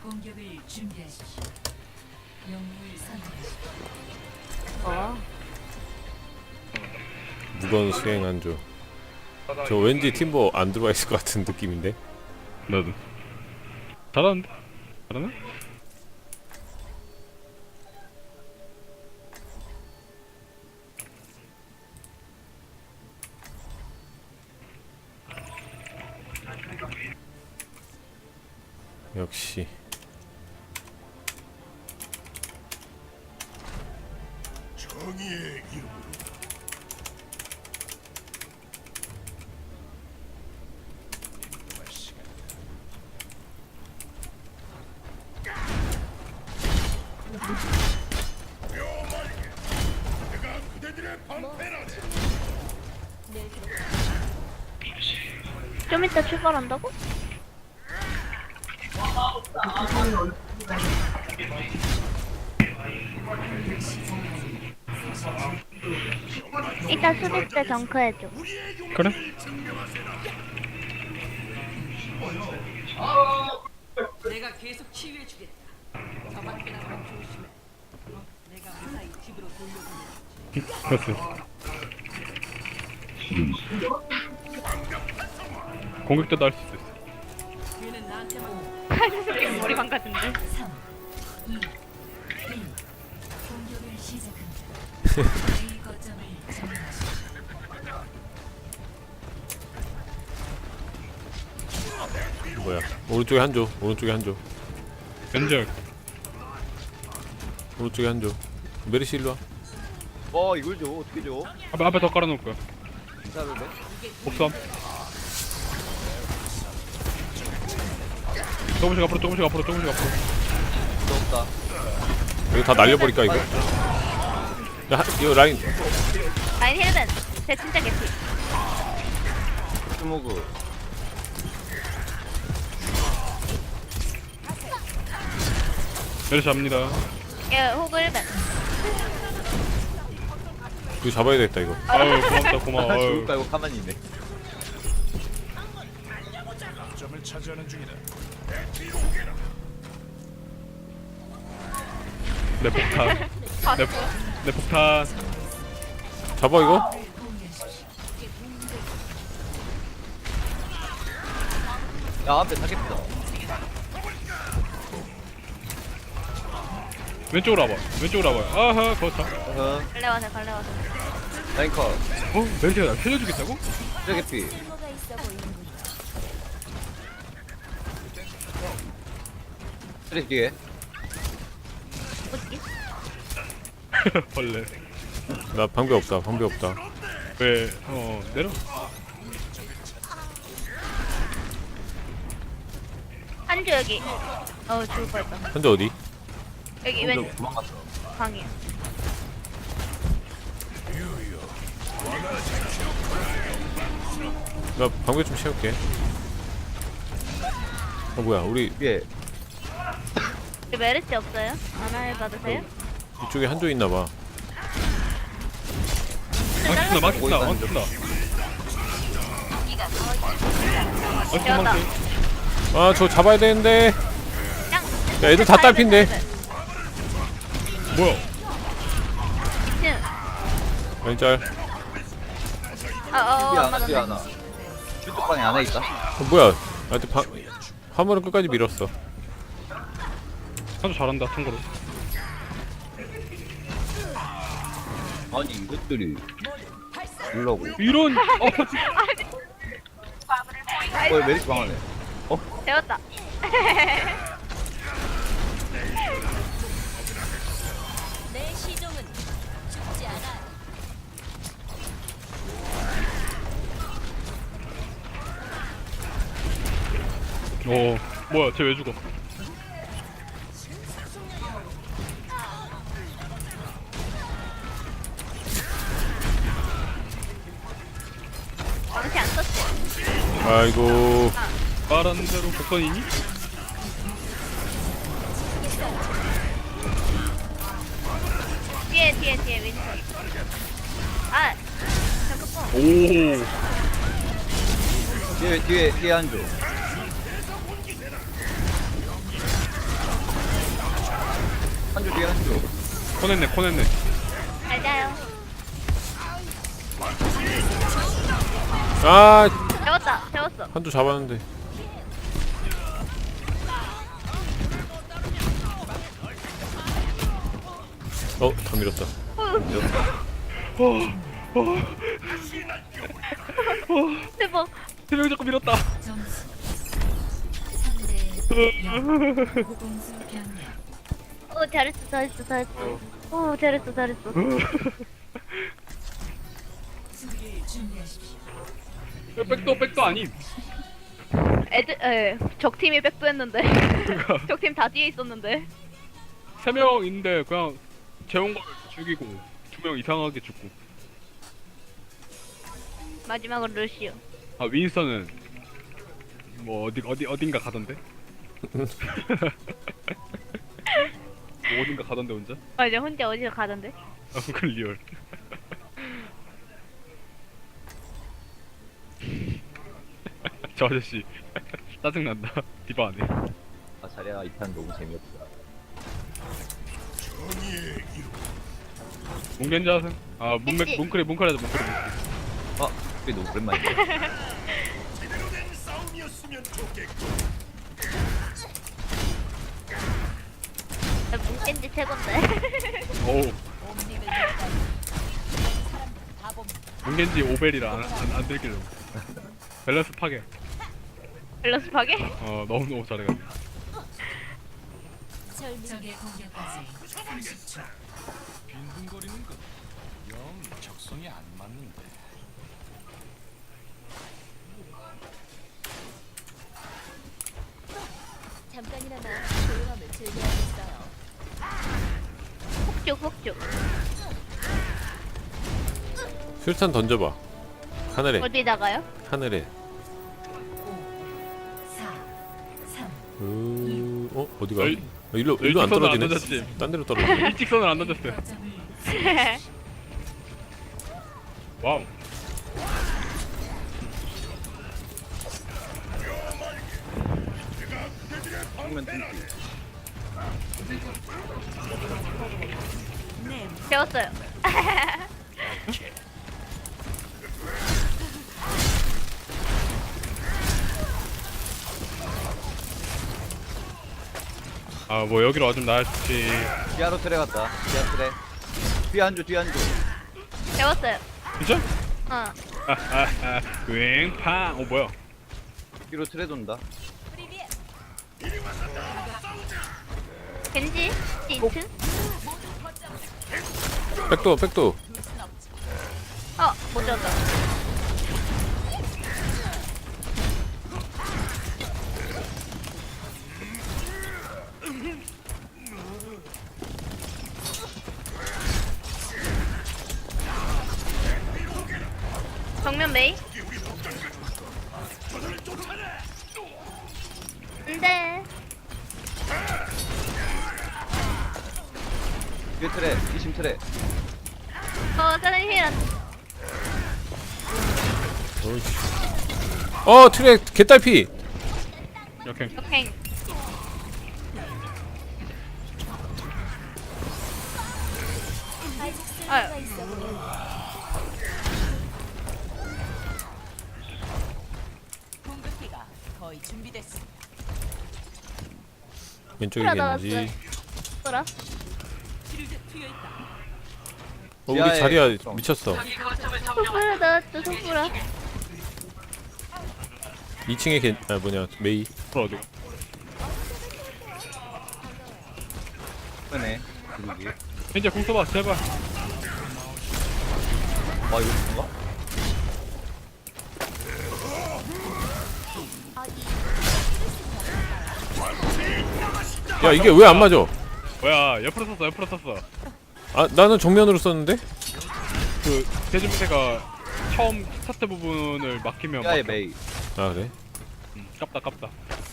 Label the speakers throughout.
Speaker 1: 공격을 준비하십시오. 영웅을 선택하십시오.
Speaker 2: 무건 수행 안조. 저 왠지 팀버 안 들어와 있을 것 같은 느낌인데.
Speaker 3: 나도 잘하는데? 잘하나?
Speaker 2: 역시.
Speaker 4: 정의의 이름으로 내가 그대들의 방패라네.
Speaker 5: 좀 이따 출발한다고? 이따 수비 때 정크해줘.
Speaker 3: 그래?
Speaker 1: 내가 계속 치유해주겠다. 저 밖에 나가면 조심해. 내가 무사히 집으로 돌려보내.
Speaker 3: 됐어. 공격 때도 할 수 있어.
Speaker 1: 얘는 나한테만
Speaker 5: 칼 머리 망가진데.
Speaker 1: 3, 2, 1. 공격을 시작합니다. A 거점을 점령하십시오.
Speaker 2: 뭐야? 오른쪽에 한조. 오른쪽에 한조.
Speaker 3: 왼쪽.
Speaker 2: 오른쪽에 한조. 메르시 일로 와.
Speaker 6: 이걸 줘 어떻게 줘?
Speaker 3: 앞에 더 깔아놓을 거야.
Speaker 6: 괜찮은데?
Speaker 3: 복수함. 조금씩 앞으로 조금씩 앞으로 조금씩 앞으로.
Speaker 6: 없다.
Speaker 2: 이거 다 날려버릴까 이거? 야, 이거 라인.
Speaker 5: 라인 힐벤. 쟤 진짜 개피.
Speaker 6: 스모그.
Speaker 3: 메르시 잡니다.
Speaker 5: 얘 호그 힐벤.
Speaker 2: 이거 잡아야 되겠다 이거.
Speaker 3: 아유 고맙다 고마워.
Speaker 6: 죽을
Speaker 3: 아유.
Speaker 6: 깔고 가만히 있네.
Speaker 4: 점을 차지하는 중이다.
Speaker 3: 내 폭탄. 내 폭탄.
Speaker 2: 잡아 이거?
Speaker 6: 야 앞에 타겟다.
Speaker 3: 왼쪽으로 와봐. 왼쪽으로 와봐. 아하 거참.
Speaker 5: 갈래와서 갈래와서.
Speaker 6: 라인커.
Speaker 3: 어? 메르시가 날 살려주겠다고?
Speaker 6: 트래게피. 트랙 뒤에.
Speaker 5: 어디?
Speaker 3: 벌레.
Speaker 2: 나 방배 없다. 방배 없다.
Speaker 3: 왜? 내려.
Speaker 5: 한주 여기. 죽을 뻔했다.
Speaker 2: 한조 어디?
Speaker 5: 여기 왼
Speaker 6: 도망갔어.
Speaker 5: 방이야.
Speaker 2: 나 방배 좀 채울게. 뭐야? 우리
Speaker 6: 위에.
Speaker 5: 여기 메르시 없어요? 안할 받으세요?
Speaker 2: 이쪽에 한조 있나 봐.
Speaker 3: 망친다 망친다 망친다.
Speaker 5: 되었다.
Speaker 3: 망친.
Speaker 2: 아, 저 잡아야 되는데.
Speaker 5: 짱.
Speaker 2: 야, 애들 다 딸핀데.
Speaker 3: 뭐야?
Speaker 5: 2층.
Speaker 2: 라인 짤.
Speaker 6: 뒤에
Speaker 5: 안
Speaker 6: 하나 뒤에
Speaker 5: 맞았네.
Speaker 6: 하나. 슈트 방에 안에 있다.
Speaker 2: 뭐야? 나한테 화물은 끝까지 밀었어.
Speaker 3: 아주 잘한다 참고로.
Speaker 6: 아니 이것들이. 이러고.
Speaker 3: 이런.
Speaker 6: 메리트 방 안에.
Speaker 5: 되었다.
Speaker 1: 내 시종은 죽지 않아.
Speaker 3: 오 뭐야 쟤 왜 죽어?
Speaker 5: 망치 안 썼지?
Speaker 2: 아이고.
Speaker 3: 말하는 대로 복선이니?
Speaker 5: 뒤에 윈터. 아, 잠깐만.
Speaker 3: 오.
Speaker 6: 뒤에 한조. 뒤에 한쪽.
Speaker 3: 코냈네.
Speaker 5: 잘 자요.
Speaker 2: 아
Speaker 5: 재웠어.
Speaker 2: 한두 잡았는데. 다 밀었다.
Speaker 5: 대박.
Speaker 3: 세명 자꾸 밀었다.
Speaker 1: 점수 3대 0. 공수 변경.
Speaker 5: 잘했어. 잘했어.
Speaker 1: 수비를 준비하십시오.
Speaker 3: 백도 아님.
Speaker 5: 적팀이 백도했는데. 적팀 다 뒤에 있었는데.
Speaker 3: 3명 있는데 그냥 재운 걸 죽이고 2명 이상하게 죽고.
Speaker 5: 마지막으로 루시오.
Speaker 3: 아 윈스턴은 뭐 어딘가 가던데? 뭐 어딘가 가던데 혼자?
Speaker 5: 맞아, 혼자 어디서 가던데?
Speaker 3: 아 그건 리얼. 저 아저씨 짜증난다. 디바 안해.
Speaker 6: 아 자리야 이 판 너무 재미없다.
Speaker 4: 정의의 이름.
Speaker 3: 문겐지 하세요? 아 문크리 하자.
Speaker 6: 아 그게 너무 오랜만이야.
Speaker 4: 제대로 된 싸움이었으면 좋겠고.
Speaker 5: 나 문겐지 최곤데.
Speaker 3: 어우 문겐지 오벨이라 안 들길래. 밸런스 파괴.
Speaker 5: 밸런스 파괴?
Speaker 3: 너무 잘해가지고.
Speaker 1: 적의 공격까지 30초.
Speaker 4: 빈둥거리는 건영 적성이 안 맞는데.
Speaker 1: 잠깐이나마 조용함을 즐겨야겠어요.
Speaker 5: 폭죽.
Speaker 2: 술탄 던져봐. 하늘에.
Speaker 5: 어디다가요?
Speaker 2: 하늘에.
Speaker 1: 4, 3,
Speaker 2: 어디가?
Speaker 3: 여기-
Speaker 2: 일로 안
Speaker 3: 일직선은 안
Speaker 2: 떨어지네.
Speaker 3: 던졌지.
Speaker 2: 딴 데로 떨어지네.
Speaker 3: 일직선을 안 던졌어요.
Speaker 1: 거점을
Speaker 3: 와우.
Speaker 6: 정면 뚫기.
Speaker 5: 재웠어요.
Speaker 3: 아 뭐 여기로 와주면 나야 좋지.
Speaker 6: 뒤아로 트레 갔다. 뒤아 트레. 뒤에 한조.
Speaker 5: 재웠어요.
Speaker 3: 진짜?
Speaker 5: 어.
Speaker 3: 윙팡. 뭐야?
Speaker 6: 뒤로 트레 돈다.
Speaker 5: 겐지? 인트?
Speaker 2: 백도.
Speaker 5: 못 재웠다. 정면 메이? 안돼.
Speaker 6: 뒤에 트레. 2심 트레.
Speaker 5: 사장님 힐
Speaker 2: 트랙 개딸피.
Speaker 3: 이렇게.
Speaker 5: 역행. 아유.
Speaker 1: 공격기가 거의 준비됐습니다.
Speaker 2: 왼쪽에
Speaker 5: 풀어
Speaker 2: 겐지.
Speaker 5: 돌아.
Speaker 1: 쉴드 트여 있다.
Speaker 2: 우리
Speaker 6: 지하에
Speaker 2: 자리야
Speaker 6: 있어.
Speaker 2: 미쳤어.
Speaker 5: 소프라 나왔죠, 소프라.
Speaker 2: 2층에 메이.
Speaker 3: 어디?
Speaker 6: 그러네. 그러기.
Speaker 3: 현재 공 써봐 제발.
Speaker 6: 아 이거 뭔가?
Speaker 2: 야 이게 왜 안 맞아?
Speaker 3: 뭐야 옆으로 썼어.
Speaker 2: 아 나는 정면으로 썼는데?
Speaker 3: 그 대준태가 처음 스타트 부분을 막히면
Speaker 6: 뒤아에
Speaker 3: 막혀.
Speaker 6: 메이.
Speaker 2: 아 그래?
Speaker 3: 깝다.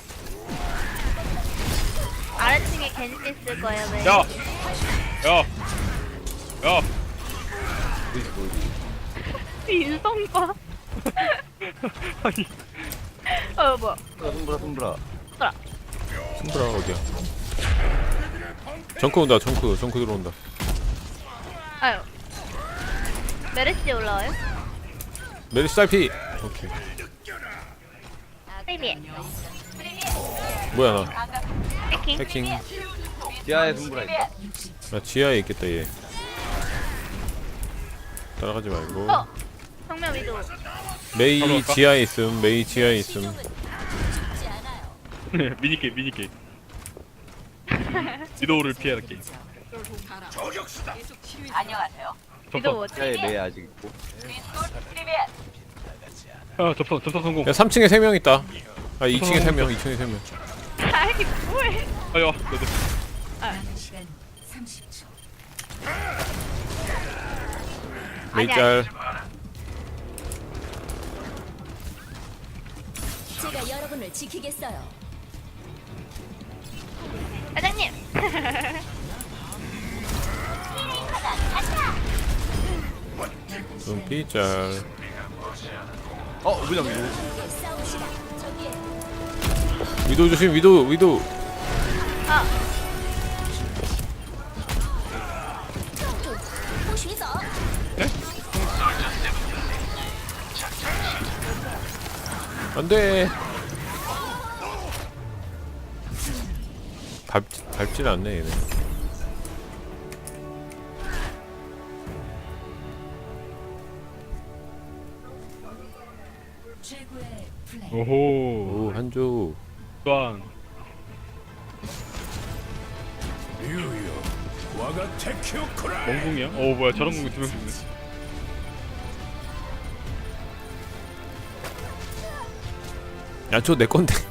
Speaker 5: 아래층에 겐지 있을 거예요, 메이.
Speaker 3: 야.
Speaker 6: 보이지.
Speaker 5: 인성 봐.
Speaker 3: 아니
Speaker 5: 뭐야.
Speaker 6: 손브라.
Speaker 2: 승부라 어디야? 정크 온다. 정크 들어온다.
Speaker 5: 아유. 메르시 올라와요?
Speaker 2: 메리스 딸피. 오케이.
Speaker 5: 프리미에.
Speaker 2: 뭐야 나
Speaker 5: 해킹.
Speaker 2: 해킹.
Speaker 6: 지하에 승부라 있다.
Speaker 2: 나 지하에 있겠다 얘. 따라가지 말고.
Speaker 5: 어. 성명 위도.
Speaker 2: 메이
Speaker 3: 가져갈까?
Speaker 2: 지하에 있음. 메이 지하에 있음.
Speaker 1: 실용은 죽지 않아요.
Speaker 3: 미니게임. 위도우를 피해야 할 게임.
Speaker 4: 저격수다.
Speaker 5: 위도
Speaker 3: 접선.
Speaker 5: 뭐지?
Speaker 6: 지하에 메이 아직 있고.
Speaker 3: 접선 성공.
Speaker 2: 야 3층에 3명 있다. 아 2층에 3명. 2층에 3명.
Speaker 5: 아이 뭐해?
Speaker 3: 아야, 너도.
Speaker 2: 메이
Speaker 5: 아니야.
Speaker 2: 짤.
Speaker 1: 제가 여러분을 지키겠어요.
Speaker 5: 사장님.
Speaker 2: 눈피 짤.
Speaker 6: 우부장 위로.
Speaker 1: 함께 싸웁시다. 저기에
Speaker 2: 위도 조심. 위도.
Speaker 5: 아.
Speaker 1: 호쉬서
Speaker 2: 안돼. 밟질 않네 얘네.
Speaker 3: 오호.
Speaker 2: 오 한조.
Speaker 3: 또한.
Speaker 4: 유유. 와가 테키오코라.
Speaker 3: 멍궁이야? 뭐야, 저런 궁이 2명 죽네.
Speaker 2: 야 저 내 건데.